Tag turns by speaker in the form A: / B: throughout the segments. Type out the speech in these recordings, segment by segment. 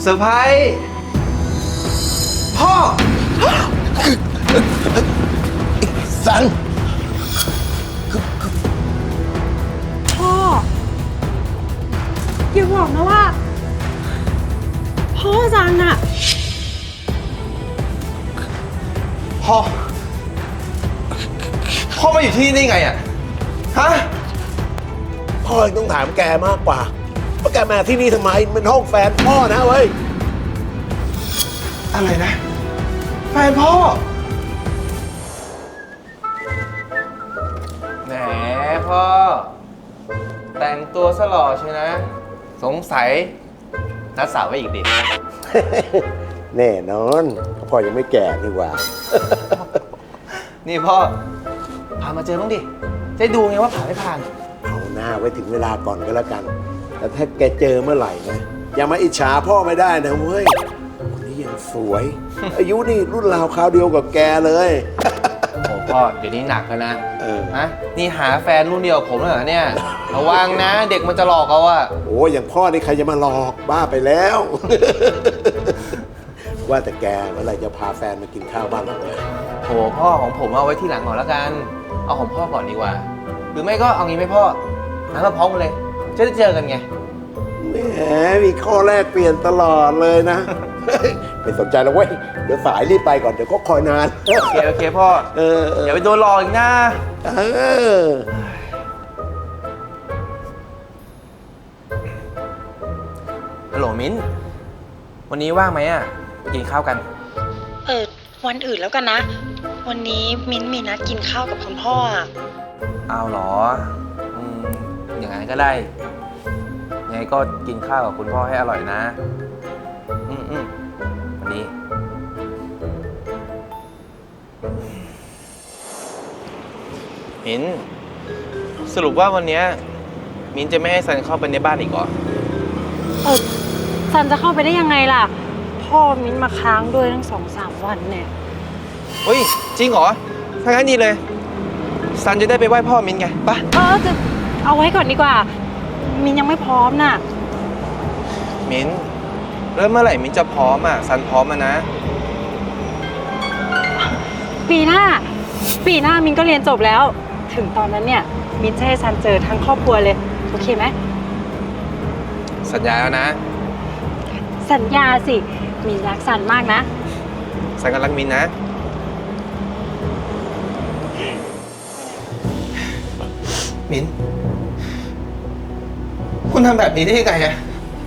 A: อร์ไพรส์พ่อ
B: สัน
C: พ่ออย่าบอกนะว่าพ่อซันอะ
A: พ่อมาอยู่ที่นี่ได้ไงอะฮะ
B: พ่อต้องถามแกมากกว่าว่าแกมาที่นี่ทำไมมันห้องแฟนพ่อนะเว้ย
A: อะไรนะแฟนพ่อแหมพ่อแต่งตัวสล่อใช่นะสงสัยนัดสาวไว้อีกดิ
B: แน่นอนพ่อยังไม่แก่นี่หว่า
A: นี่พ่อพามาเจอบ้างดิจะได้ดูไงว่าผ่านไม่ผ่าน
B: เอาหน้าไว้ถึงเวลาก่อนก็แล้วกัน แต่ถ้าแกเจอเมื่อไหร่นะอย่ามาอิจฉาพ่อไม่ได้นะเว้ยคนนี้ยังสวย อายุนี่รุ่นราวคราวเดียวกับแกเลย
A: โอ้พ่อเดี๋ยวนี้หนักแล้วนะ
B: ฮะ
A: นี่หาแฟนรุ่นเดียวกับผมแล้วเหรอเนี่ยระวังนะเด็กมันจะหลอกเอาอะ
B: โอ้อย่างพ่อนี่ใครจะมาหลอกบ้าไปแล้ว ว่าแต่แกเมื่อไหร่จะพาแฟนมากินข้าวบ้านเราเลย
A: โหพ่อของผมเอาไว้ที่หลังก่อนแล้วกันเอาของพ่อก่อนดีกว่า หรือไม่ก็เอางี้ไหมพ่อนัดมาพร้อมกันเลยจะได้เจอกันไง
B: แหมมีข้อแรกเปลี่ยนตลอดเลยนะ ไม่สนใจแล้วเว้ยเดี๋ยวสายรีบไปก่อนเดี๋ยวก็คอยนาน
A: โอเคพ่อ อย่าไปโดนหลอกอีกนะ
B: เออ
A: ฮัลโหลมิ้นวันนี้ว่างไหมอะไปกินข้าวกัน
C: วันอื่นแล้วกันนะ วันนี้มิ้นมีนัดกินข้าวกับคุณพ่ออะ
A: เอาเหรออย่างนั้นก็ได้ยังไงก็กินข้าวกับคุณพ่อให้อร่อยนะวันนี้มิ้นสรุปว่าวันนี้มิ้นจะไม่ให้ซันเข้าไปในบ้านอีกเหรอ
C: ซันจะเข้าไปได้ยังไงล่ะ พ่อมิ้นมาค้างด้วยตั้ง2-3 วันเนี่ย
A: เฮ้ยจริงเหรอถ้างั้นดีเลยซันจะได้ไปไหว้พ่อมิ้นไงปะ
C: จะเอาไว้ก่อนดีกว่า มิ้นยังไม่พร้อมน่ะ
A: มิ้นแล้วเมื่อไหร่มิ้นจะพร้อมอ่ะซันพร้อมอ่ะนะ
C: ปีหน้ามิ้นก็เรียนจบแล้ว ถึงตอนนั้นเนี่ยมิ้นจะให้ซันเจอทั้งครอบครัวเลยโอเคไหม
A: สัญญาแล้วนะ
C: สัญญาสิมิ้นรักซันมากนะ
A: ซันก็รักมิ้นนะมิ้นคุณทำแบบนี้ได้ยังไงอะ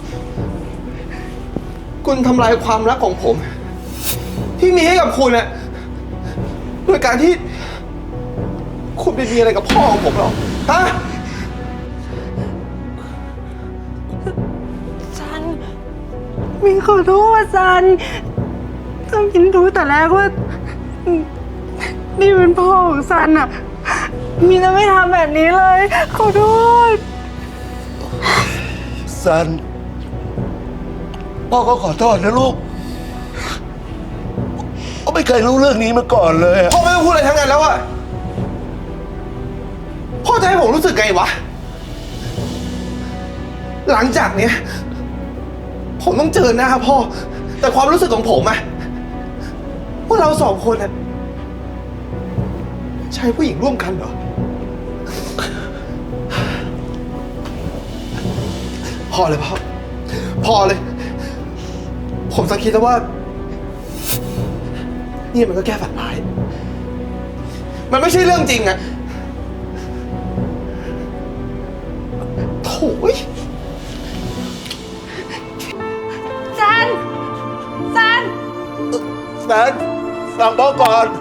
A: คุณทำลายความรักของผม ที่มีให้กับคุณอะโดยการที่คุณไปมีอะไรกับพ่อของผมหรอฮะ
C: ซันมิ้นขอโทษซันถ้ามิ้นรู้แต่แรกว่านี่เป็นพ่อของซันอะมิ้นจะไม่ทำแบบนี้เลยขอโทษ
B: สันพ่อก็ขอโทษนะลูกพ่อไม่เคยรู้เรื่องนี้มาก่อนเลยอะ
A: พ่อไม่ต้องพูดอะไรทั้งนั้นแล้วอะพ่อจะให้ผมรู้สึกไงวะ หลังจากเนี้ยผมต้องเจอหน้าพ่อ แต่ความรู้สึกของผมอะว่าเราสองคนอะใช้ผู้หญิงร่วมกันเหรอ พอเลยพ่อ พอเลย ผมสังคิดแล้วว่า นี่มันก็แค่ฝันร้าย มันไม่ใช่เรื่องจริงอะโถ่ย
C: ซัน
B: สันฟังพ่อก่อน